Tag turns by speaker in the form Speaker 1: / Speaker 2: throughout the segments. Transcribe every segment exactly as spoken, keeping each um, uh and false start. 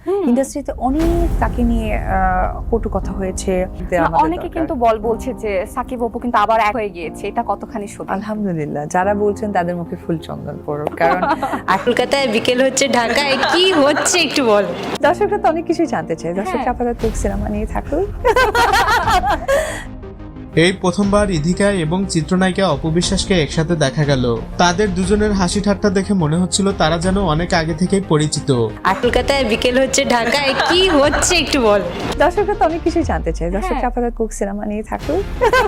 Speaker 1: ইন্ডাস্ট্রিতে অনেক তাকে নিয়ে কটু কথা হয়েছে।
Speaker 2: অনেকে কিন্তু বল বলছে যে সাকিব অপু কিন্তু আবার এক হয়ে গিয়েছে, এটা কতখানি সত্যি?
Speaker 1: আলহামদুলিল্লাহ, যারা বলছেন তাদের মুখে ফুল চন্দন পড়ুক, কারণ
Speaker 3: কলকাতায় বিকেল হচ্ছে, ঢাকায় কি হচ্ছে একটু বল।
Speaker 1: দর্শকরা তো অনেক কিছুই জানতে চায়। দর্শকরা আপাতত সিনেমা নিয়ে থাকুক।
Speaker 4: এই প্রথমবার ইধিকা এবং চিত্রনায়িকা অপু বিশ্বাসকে একসাথে দেখা গেল। তাদের দুজনের হাসি ঠাট্টা দেখে মনে হচ্ছিল তারা যেন অনেক আগে থেকেই পরিচিত।
Speaker 3: কলকাতায় বিকেল হচ্ছে, ঢাকায় কি হচ্ছে একটু বল।
Speaker 1: দর্শকরা তো অনেক কিছুই জানতে চায়। দর্শকরা আপাতত কুক সিনেমা নিয়ে থাকুক।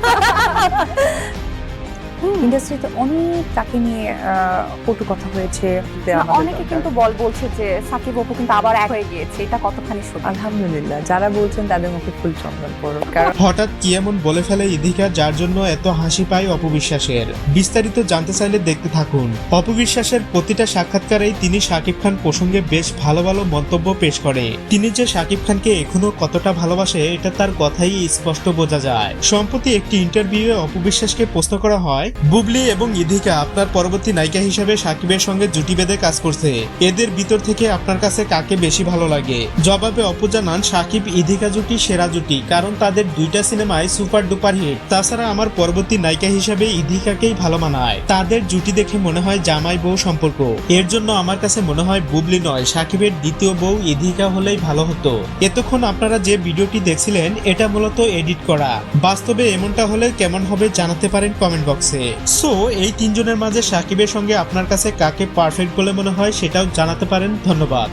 Speaker 1: ইন্ডাস্ট্রিতে অনেক তাকে নিয়ে কটু কথা হয়েছে।
Speaker 2: অনেকে কিন্তু বল বলছে যে সাকিব অপু কিন্তু আবার এক হয়ে গিয়েছে, এটা কতখানি সত্যি?
Speaker 1: আলহামদুলিল্লাহ, যারা বলছেন তাদের মুখে ফুল চন্দন পড়ুক, কারণ
Speaker 4: হঠাৎ কি এমন বলে ফেলে ইধিকা যার জন্য এত হাসি পায় অপু বিশ্বাসের? বিস্তারিত জানতে চাইলে দেখতে থাকুন। অপু বিশ্বাসের প্রতিটা সাক্ষাৎকারেই তিনি শাকিব খান প্রসঙ্গে বেশ ভালো ভালো মন্তব্য পেশ করে। তিনি যে শাকিব খানকে এখনো কতটা ভালোবাসে এটা তার কথাই স্পষ্ট বোঝা যায়। সম্প্রতি একটি ইন্টারভিউয়ে অপু বিশ্বাসকে প্রশ্ন করা হয়, বুবলি এবং ইধিকা আপনার পরবর্তী নায়িকা হিসেবে শাকিবের সঙ্গে জুটি বেঁধে কাজ করছে, এদের ভিতর থেকে আপনার কাছে কাকে বেশি ভালো লাগে? জবাবে অপু জানান, শাকিব ইধিকা জুটি সেরা জুটি, কারণ তাদের দুইটা সিনেমায় সুপার ডুপার হিট। তাছাড়া আমার পরবর্তী নায়িকা হিসেবে ইধিকাকেই ভালো মানায়। তাদের জুটি দেখে মনে হয় জামাই বউ সম্পর্ক। এর জন্য আমার কাছে মনে হয় বুবলি নয়, শাকিবের দ্বিতীয় বউ ইধিকা হলেই ভালো হতো। এতক্ষণ আপনারা যে ভিডিওটি দেখছিলেন এটা মূলত এডিট করা। বাস্তবে এমনটা হলে কেমন হবে জানাতে পারেন কমেন্ট বক্সে। সো এই তিনজনের মাঝে শাকিবের সঙ্গে আপনার কাছে কাকে পারফেক্ট বলে মনে হয় সেটাও জানাতে পারেন। ধন্যবাদ।